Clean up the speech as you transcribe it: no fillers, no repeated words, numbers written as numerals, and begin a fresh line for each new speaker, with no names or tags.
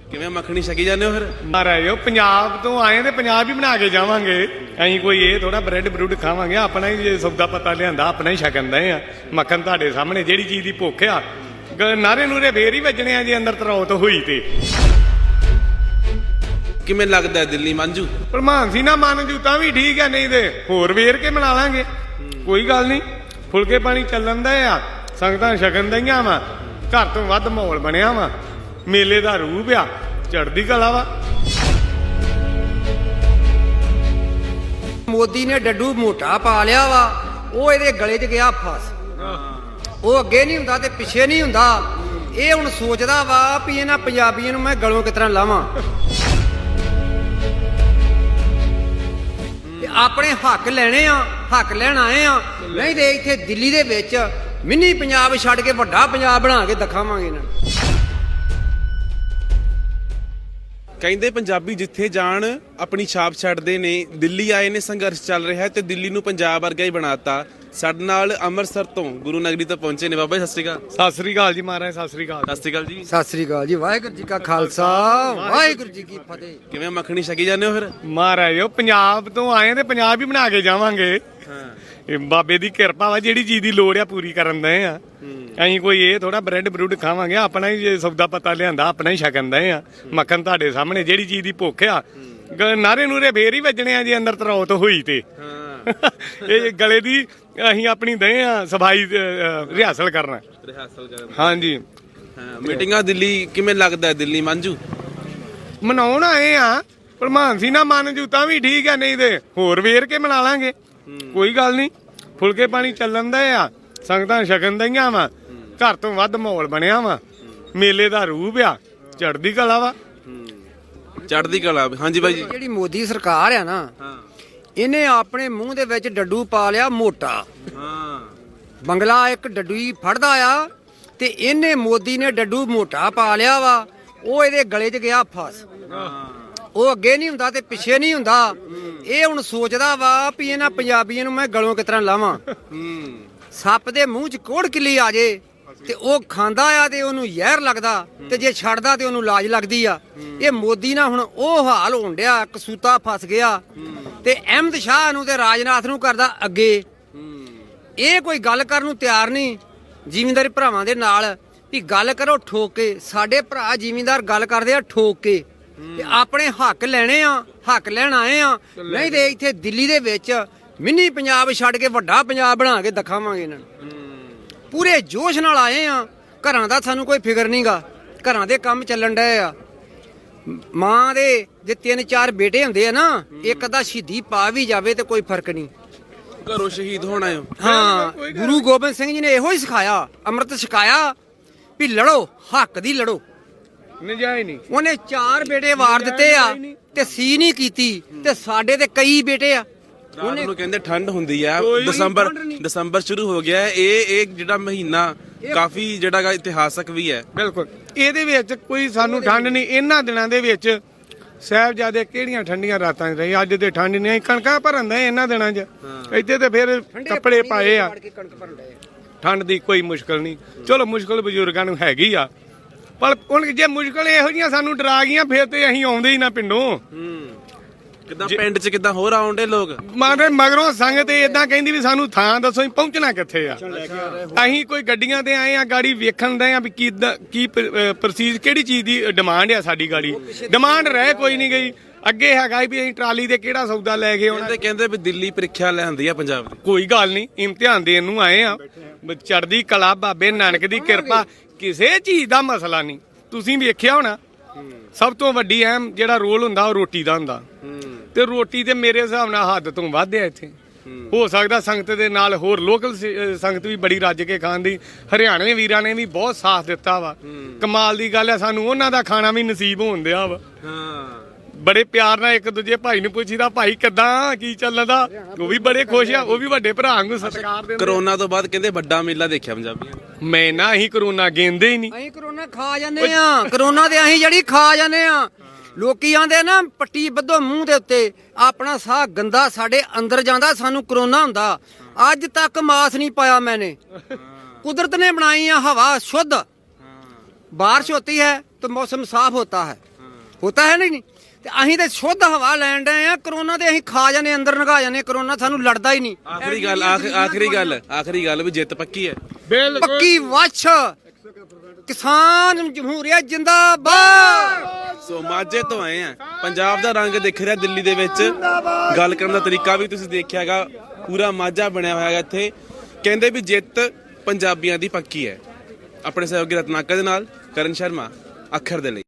ਕਿਵੇਂ ਮੱਖਣੀ ਛਕੀ ਜਾਂਦੇ ਹੋ ਫਿਰ?
ਮਹਾਰਾਜ ਉਹ ਪੰਜਾਬ ਤੋਂ ਆਏ ਤੇ ਪੰਜਾਬ ਹੀ ਬਣਾ ਕੇ ਜਾਵਾਂਗੇ। ਅਸੀਂ ਕੋਈ ਇਹ ਥੋੜਾ ਬ੍ਰੈਡ ਬਰੂਡ ਖਾਵਾਂਗੇ, ਆਪਣਾ ਹੀ ਜੇ ਸੌਦਾ ਪਤਾ ਲਿਆਂਦਾ ਆਪਣਾ ਹੀ ਛਕਣ ਦੇ ਆ। ਮੱਖਣ ਤੁਹਾਡੇ ਸਾਹਮਣੇ, ਜਿਹੜੀ ਚੀਜ਼ ਦੀ ਭੁੱਖ ਆ ਨਾਰੇ ਨੂਰੇ ਫੇਰ ਹੀ ਵੱਜਣੇ ਆ ਜੇ ਅੰਦਰ ਤਰੌਤ ਹੋਈ ਤੇ।
ਕਿਵੇਂ ਲੱਗਦਾ ਦਿੱਲੀ ਮੰਜੂ?
ਪ੍ਰਮਾਨ ਸੀ ਨਾ ਮੰਨ ਜੂ ਤਾਂ ਵੀ ਠੀਕ ਹੈ, ਨਹੀਂ ਤੇ ਹੋਰ ਵੇਰ ਕੇ ਬਣਾ ਲਾਂਗੇ, ਕੋਈ ਗੱਲ ਨਹੀਂ। ਫੁਲਕੇ ਪਾਣੀ ਚੱਲਣ ਦਾ ਆ, ਸੰਗਤਾਂ ਛਕਣ ਦਈਆਂ ਵਾ, ਘਰ ਤੋਂ ਵੱਧ ਮਾਹੌਲ ਬਣਿਆ ਵਾ, ਮੇਲੇ ਦਾ ਰੂਪ ਆ, ਚੜ੍ਹਦੀ ਕਲਾ ਵਾ।
ਮੋਦੀ ਨੇ ਡੱਡੂ ਮੋਟਾ ਪਾ ਲਿਆ ਵਾ, ਉਹ ਇਹਦੇ ਗਲੇ 'ਚ ਗਿਆ ਫਸ। ਉਹ ਅੱਗੇ ਨਹੀਂ ਹੁੰਦਾ ਤੇ ਪਿੱਛੇ ਨਹੀਂ ਹੁੰਦਾ। ਇਹ ਹੁਣ ਸੋਚਦਾ ਵਾ ਵੀ ਇਹਨਾਂ ਪੰਜਾਬੀਆਂ ਨੂੰ ਮੈਂ ਗਲੋਂ ਕਿਸ ਤਰ੍ਹਾਂ ਲਾਵਾਂ ਤੇ ਆਪਣੇ ਹੱਕ ਲੈਣੇ ਆ, ਹੱਕ ਲੈਣ ਆਏ ਆ। ਨਹੀਂ ਤੇ ਇੱਥੇ ਦਿੱਲੀ ਦੇ ਵਿੱਚ ਮਿੰਨੀ ਪੰਜਾਬ ਛੱਡ ਕੇ ਵੱਡਾ ਪੰਜਾਬ ਬਣਾ ਕੇ ਦਿਖਾਵਾਂਗੇ ਇਹਨਾਂ ਨੂੰ।
ਕਹਿੰਦੇ ਪੰਜਾਬੀ ਜਿੱਥੇ ਜਾਣ ਆਪਣੀ ਛਾਪ ਛੱਡਦੇ ਨੇ। ਦਿੱਲੀ ਆਏ ਨੇ, ਸੰਘਰਸ਼ ਚੱਲ ਰਿਹਾ ਤੇ ਦਿੱਲੀ ਨੂੰ ਪੰਜਾਬ ਵਰਗਾ ਹੀ ਬਣਾਤਾ। ਸਾਡੇ ਨਾਲ ਅੰਮ੍ਰਿਤਸਰ ਤੋਂ ਗੁਰੂ ਨਗਰੀ ਤੋਂ ਪਹੁੰਚੇ ਨੇ ਬਾਬਾ ਜੀ। ਸਤਿ ਸ਼੍ਰੀ ਅਕਾਲ।
ਸਤਿ ਸ੍ਰੀ ਅਕਾਲ ਜੀ ਮਹਾਰਾਜ, ਸਤਿ ਸ੍ਰੀ ਅਕਾਲ।
ਸਤਿ ਸ਼੍ਰੀ ਅਕਾਲ ਜੀ।
ਸਤਿ ਸ੍ਰੀ ਅਕਾਲ ਜੀ। ਵਾਹਿਗੁਰੂ ਜੀ ਕਾ ਖਾਲਸਾ, ਵਾਹਿਗੁਰੂ ਜੀ ਕੀ ਫਤਿਹ।
ਕਿਵੇਂ ਮੱਖਣੀ ਛਕੀ ਜਾਂਦੇ ਹੋ ਫਿਰ?
ਮਹਾਰਾਜ ਉਹ ਪੰਜਾਬ ਤੋਂ ਆਏ ਤੇ ਪੰਜਾਬ ਹੀ ਬਣਾ ਕੇ ਜਾਵਾਂਗੇ। ਇਹ ਬਾਬੇ ਦੀ ਕਿਰਪਾ ਵਾ, ਜਿਹੜੀ ਚੀਜ਼ ਦੀ ਲੋੜ ਆ ਪੂਰੀ ਕਰਨ ਦੇ ਆ। ਅਸੀਂ ਕੋਈ ਇਹ ਥੋੜਾ ਬ੍ਰੈਡ ਬਰੂਡ ਖਾਵਾਂਗੇ, ਆਪਣਾ ਹੀ ਜੇ ਸੌਦਾ ਪਤਾ ਲਿਆਂਦਾ ਆਪਣਾ ਹੀ ਛਕਣ ਦੇ ਆ। ਮੱਖਣ ਤੁਹਾਡੇ ਸਾਹਮਣੇ, ਜਿਹੜੀ ਚੀਜ਼ ਦੀ ਭੁੱਖ ਆ ਨਾਰੇ ਨੂਰੇ ਫੇਰ ਹੀ ਵੱਜਣੇ ਆ ਜੇ ਅੰਦਰ ਤਰੌਤ ਹੋਈ ਤੇ। ਇਹ ਗਲੇ ਦੀ ਅਸੀਂ ਆਪਣੀ ਦੇ ਆ ਸਫਾਈ ਰਿਹਾਸਲ ਕਰਨਾ। ਹਾਂਜੀ।
ਮੀਟਿੰਗਾਂ ਦਿੱਲੀ ਕਿਵੇਂ ਲੱਗਦਾ ਦਿੱਲੀ ਮੰਜੂ?
ਮਨਾਉਣ ਆਏ ਆ, ਪ੍ਰਮਾਨ ਸੀ ਨਾ ਮੰਨ ਜੂ ਤਾਂ ਵੀ ਠੀਕ ਹੈ, ਨਹੀਂ ਤੇ ਹੋਰ ਵੇਰ ਕੇ ਬਣਾ ਲਾਂਗੇ, ਕੋਈ ਗੱਲ ਨਹੀਂ। ਫੁਲਕੇ ਪਾਣੀ ਚੱਲਣ ਦਾ ਆ, ਸੰਗਤਾਂ ਛਕਣ ਦਈਆਂ ਵਾ, ਘਰ ਤੋਂ ਵੱਧ ਮਾਹੌਲ ਬਣਿਆ ਵਾ, ਮੇਲੇ ਦਾ ਰੂਪ ਆ, ਚੜ੍ਹਦੀ ਕਲਾ ਵਾ।
ਚੜ੍ਹਦੀ ਕਲਾ। ਹਾਂਜੀ ਬਾਈ ਜੀ।
ਜਿਹੜੀ ਮੋਦੀ ਸਰਕਾਰ ਆ ਨਾ, ਇਹਨੇ ਆਪਣੇ ਮੂੰਹ ਦੇ ਵਿੱਚ ਡੱਡੂ ਪਾ ਲਿਆ ਮੋਟਾ। ਬੰਗਲਾ ਇੱਕ ਡੱਡੂ ਹੀ ਫੜਦਾ ਆ ਤੇ ਇਹਨੇ ਮੋਦੀ ਨੇ ਡੱਡੂ ਮੋਟਾ ਪਾ ਲਿਆ ਵਾ, ਉਹ ਇਹਦੇ ਗਲੇ 'ਚ ਗਿਆ ਫਸ। ਉਹ ਅੱਗੇ ਨਹੀਂ ਹੁੰਦਾ ਤੇ ਪਿੱਛੇ ਨਹੀਂ ਹੁੰਦਾ। ਇਹ ਹੁਣ ਸੋਚਦਾ ਵਾ ਵੀ ਇਹਨਾਂ ਪੰਜਾਬੀਆਂ ਨੂੰ ਮੈਂ ਗਲੋਂ ਕਿਸ ਤਰ੍ਹਾਂ ਲਾਵਾਂ। ਸੱਪ ਦੇ ਮੂੰਹ 'ਚ ਕੋੜ ਕਿੱਲੀ ਆ ਜੇ ਤੇ ਉਹ ਖਾਂਦਾ ਆ ਤੇ ਉਹਨੂੰ ਜ਼ਹਿਰ ਲੱਗਦਾ, ਤੇ ਜੇ ਛੱਡਦਾ ਤੇ ਉਹਨੂੰ ਲਾਜ ਲੱਗਦੀ ਆ। ਇਹ ਮੋਦੀ ਨਾਲ ਹੁਣ ਉਹ ਹਾਲ ਹੋਣ ਡਿਆ, ਕਸੂਤਾ ਫਸ ਗਿਆ ਤੇ ਅਹਿਮਦ ਸ਼ਾਹ ਨੂੰ ਤੇ ਰਾਜਨਾਥ ਨੂੰ ਕਰਦਾ ਅੱਗੇ। ਇਹ ਕੋਈ ਗੱਲ ਕਰਨ ਨੂੰ ਤਿਆਰ ਨਹੀਂ ਜ਼ਿਮੀਂਦਾਰੀ ਭਰਾਵਾਂ ਦੇ ਨਾਲ ਵੀ ਗੱਲ ਕਰੋ ਠੋਕ ਕੇ। ਸਾਡੇ ਭਰਾ ਜ਼ਿਮੀਂਦਾਰ ਗੱਲ ਕਰਦੇ ਆ ਠੋਕ ਕੇ ਤੇ ਆਪਣੇ ਹੱਕ ਲੈਣੇ ਆ, ਹੱਕ ਲੈਣ ਆਏ ਆ। ਨਹੀਂ ਤੇ ਇੱਥੇ ਦਿੱਲੀ ਦੇ ਵਿੱਚ ਮਿੰਨੀ ਪੰਜਾਬ ਛੱਡ ਕੇ ਵੱਡਾ ਪੰਜਾਬ ਬਣਾ ਕੇ ਦਿਖਾਵਾਂਗੇ ਇਹਨਾਂ ਨੂੰ। ਪੂਰੇ ਜੋਸ਼ ਨਾਲ ਆਏ ਆ। ਘਰਾਂ ਦਾ ਸਾਨੂੰ ਕੋਈ ਫਿਕਰ ਨਹੀਂਗਾ, ਘਰਾਂ ਦੇ ਕੰਮ ਚੱਲਣ ਡਏ ਆ। ਮਾਂ ਦੇ ਜੇ 3-4 ਬੇਟੇ ਹੁੰਦੇ ਆ ਨਾ, ਇੱਕ ਅੱਧਾ ਸ਼ਹੀਦੀ ਪਾ ਵੀ ਜਾਵੇ ਤੇ ਕੋਈ ਫਰਕ ਨਹੀਂ।
ਘਰੋਂ ਸ਼ਹੀਦ ਹੋਣਾ ਹੈ।
ਹਾਂ, ਗੁਰੂ ਗੋਬਿੰਦ ਸਿੰਘ ਜੀ ਨੇ ਇਹੋ ਹੀ ਸਿਖਾਇਆ, ਅੰਮ੍ਰਿਤ ਛਕਾਇਆ ਵੀ ਲੜੋ, ਹੱਕ ਦੀ ਲੜੋ।
ਨਜਾਇਜ਼ ਨਹੀਂ।
ਉਹਨੇ 4 ਬੇਟੇ ਵਾਰ ਦਿੱਤੇ ਆ ਤੇ ਸੀ ਨਹੀਂ ਕੀਤੀ, ਤੇ ਸਾਡੇ ਤੇ ਕਈ ਬੇਟੇ ਆ।
ਰਾਤ ਨੂੰ ਕਹਿੰਦੇ ਠੰਡ ਹੁੰਦੀ ਆ।
ਠੰਡ
ਦਸੰਬਰ ਸ਼ੁਰੂ ਹੋ ਗਿਆ। ਇਹ ਜਿਹੜਾ ਮਹੀਨਾ ਕਾਫੀ ਜਿਹੜਾ ਇਤਿਹਾਸਕ ਵੀ ਹੈ।
ਬਿਲਕੁਲ, ਇਹਦੇ ਵਿੱਚ ਕੋਈ ਸਾਨੂੰ ਠੰਡ ਨਹੀਂ। ਇਹਨਾਂ ਦਿਨਾਂ ਦੇ ਵਿੱਚ ਸਾਹਿਬਜ਼ਾਦੇ ਕਿਹੜੀਆਂ ਠੰਡੀਆਂ ਰਾਤਾਂ 'ਚ ਰਹੇ, ਅੱਜ ਤੇ ਠੰਡ ਨਹੀਂ। ਕਣਕਾਂ ਭਰਨ ਦੇ ਇਹਨਾਂ ਦਿਨਾਂ 'ਚ, ਇੱਥੇ ਤੇ ਫਿਰ ਕੱਪੜੇ ਪਾਏ ਆ। ਠੰਡ ਦੀ ਕੋਈ ਮੁਸ਼ਕਲ ਨਹੀਂ। ਚਲੋ ਮੁਸ਼ਕਲ ਬਜ਼ੁਰਗਾਂ ਨੂੰ ਹੈਗੀ ਆ, ਪਰ ਹੁਣ ਜੇ ਮੁਸ਼ਕਲ ਇਹੋ ਜਿਹੀਆਂ ਸਾਨੂੰ ਡਰਾ ਗਈਆਂ ਫਿਰ ਤੇ ਅਸੀਂ ਆਉਂਦੇ ਹੀ ਨਾ ਪਿੰਡੋਂ।
ਕਿੱਦਾਂ ਪਿੰਡ 'ਚ ਕਿੱਦਾਂ ਹੋਰ ਆਉਂਦੇ ਲੋਕ?
ਮਗਰੋਂ ਸੰਗਤ ਏਦਾਂ ਕਹਿੰਦੀ ਵੀ ਸਾਨੂੰ ਥਾਂ ਦੱਸੋ, ਅਸੀਂ ਪਹੁੰਚਣਾ ਕਿੱਥੇ ਆ। ਅਸੀਂ ਕੋਈ ਗੱਡੀਆਂ ਤੇ ਆਏ ਆ, ਗਾੜੀ ਵੇਖਣ ਦੇ ਆ ਵੀ ਕੀ ਪ੍ਰਸੀਜ ਕਿਹੜੀ ਚੀਜ਼ ਦੀ ਡਿਮਾਂਡ ਆ। ਸਾਡੀ ਗਾੜੀ ਡਿਮਾਂਡ ਰਹਿ ਕੋਈ ਨਹੀਂ ਗਈ। ਅੱਗੇ ਹੈਗਾ ਵੀ ਅਸੀਂ ਟਰਾਲੀ ਦੇ ਕਿਹੜਾ ਸੌਦਾ ਲੈ ਕੇ ਆਉਣਾ।
ਕਹਿੰਦੇ ਵੀ ਦਿੱਲੀ ਪ੍ਰੀਖਿਆ ਲੈਂਦੀ ਆ ਪੰਜਾਬ ਦੀ।
ਕੋਈ ਗੱਲ ਨਹੀਂ, ਇਮਤਿਹਾਨ ਦੇਣ ਨੂੰ ਆਏ ਆ। ਚੜ੍ਹਦੀ ਕਲਾ, ਬਾਬੇ ਨਾਨਕ ਦੀ ਕਿਰਪਾ, ਕਿਸੇ ਚੀਜ਼ ਦਾ ਮਸਲਾ ਨਹੀਂ। ਤੁਸੀਂ ਵੇਖਿਆ ਹੋਣਾ, ਸਭ ਤੋਂ ਵੱਡੀ ਅਹਿਮ ਜਿਹੜਾ ਰੋਲ ਹੁੰਦਾ ਉਹ ਰੋਟੀ ਦਾ ਹੁੰਦਾ, ਤੇ ਰੋਟੀ ਤੇ ਮੇਰੇ ਹਿਸਾਬ ਨਾਲ ਹੱਦ ਤੋਂ ਵੱਧ ਆ ਇੱਥੇ। ਹੋ ਸਕਦਾ ਸੰਗਤ ਦੇ ਨਾਲ ਹੋਰ ਲੋਕਲ ਸੰਗਤ ਵੀ ਬੜੀ ਰੱਜ ਕੇ ਖਾਂਦੀ। ਹਰਿਆਣੇ ਵੀਰਾਂ ਨੇ ਵੀ ਬਹੁਤ ਸਾਥ ਦਿੱਤਾ ਵਾ। ਕਮਾਲ ਦੀ ਗੱਲ ਹੈ, ਸਾਨੂੰ ਉਹਨਾਂ ਦਾ ਖਾਣਾ ਵੀ ਨਸੀਬ ਹੋਣ ਦਿਆ ਵਾ। ਬੜੇ ਪਿਆਰ ਨਾਲ ਇੱਕ ਦੂਜੇ ਭਾਈ ਨੂੰ ਪੁੱਛੀਦਾ, ਭਾਈ ਕਿੱਦਾਂ, ਕੀ ਚੱਲਦਾ। ਉਹ ਵੀ ਬੜੇ ਖੁਸ਼ ਆ, ਉਹ ਵੀ ਵੱਡੇ ਭਰਾ ਨੂੰ ਸਤਿਕਾਰ ਦਿੰਦੇ।
ਕਰੋਨਾ ਤੋਂ ਬਾਅਦ ਕਹਿੰਦੇ ਵੱਡਾ ਮੇਲਾ ਦੇਖਿਆ ਪੰਜਾਬੀਆਂ ਨੇ।
ਮੈਂ ਨਾ ਅਸੀਂ ਕਰੋਨਾ ਗੇਂਦੇ ਹੀ ਨਹੀਂ।
ਅਸੀਂ ਕਰੋਨਾ ਖਾ ਜਾਂਦੇ ਆ, ਕਰੋਨਾ ਤੇ ਅਸੀਂ ਜਿਹੜੀ ਖਾ ਜਾਂਦੇ ਆ। ਲੋਕੀ ਆਂਦੇ ਨਾ ਪੱਟੀ ਬੱਧੋ ਮੂੰਹ ਦੇ ਉੱਤੇ, ਆਪਣਾ ਸਾਹ ਗੰਦਾ ਸਾਡੇ ਅੰਦਰ ਜਾਂਦਾ, ਸਾਨੂੰ ਕਰੋਨਾ ਹੁੰਦਾ। ਅੱਜ ਤੱਕ ਮਾਸ ਨਹੀਂ ਪਾਇਆ ਮੈਨੇ। ਕੁਦਰਤ ਨੇ ਬਣਾਈ ਆ ਹਵਾ शुद्ध, बारिश होती है तो मौसम साफ होता है। ਹੋਤਾ ਹੈ ਨਹੀਂ ਤੇ ਅਸੀਂ ਤੇ ਸ਼ੁੱਧ ਹਵਾ ਲੈਣ ਡਏ ਆ ਕਰੋਨਾ ਤੇ ਅਸੀਂ ਖਾ ਜਾਂਦੇ ਅੰਦਰ ਨਗਾ ਜਾਂਦੇ ਕਰੋਨਾ ਸਾਨੂੰ ਲੜਦਾ ਹੀ ਨਹੀਂ
ਆਖਰੀ ਗੱਲ ਵੀ ਜਿੱਤ ਪੱਕੀ ਹੈ
ਪੱਕੀ ਵੱਛ ਕਿਸਾਨ ਜਮਹੂਰੀਅਤ ਜਿੰਦਾਬਾਦ।
ਸੋ ਮਾਝੇ ਤੋਂ ਆਏ ਆ, ਪੰਜਾਬ ਦਾ ਰੰਗ ਦਿਖ ਰਿਹਾ ਦਿੱਲੀ ਦੇ ਵਿੱਚ, ਗੱਲ ਕਰਨ ਦਾ ਤਰੀਕਾ ਵੀ ਤੁਸੀਂ ਦੇਖਿਆ ਹੈਗਾ, ਪੂਰਾ ਮਾਝਾ ਬਣਿਆ ਹੋਇਆ ਹੈਗਾ ਇੱਥੇ। ਕਹਿੰਦੇ ਵੀ ਜਿੱਤ ਪੰਜਾਬੀਆਂ ਦੀ ਪੱਕੀ ਹੈ। ਆਪਣੇ ਸਹਿਯੋਗੀ ਰਤਨਾਕਰ ਦੇ ਨਾਲ ਕਰਨ ਸ਼ਰਮਾ, ਅੱਖਰ ਦੇ ਲਈ।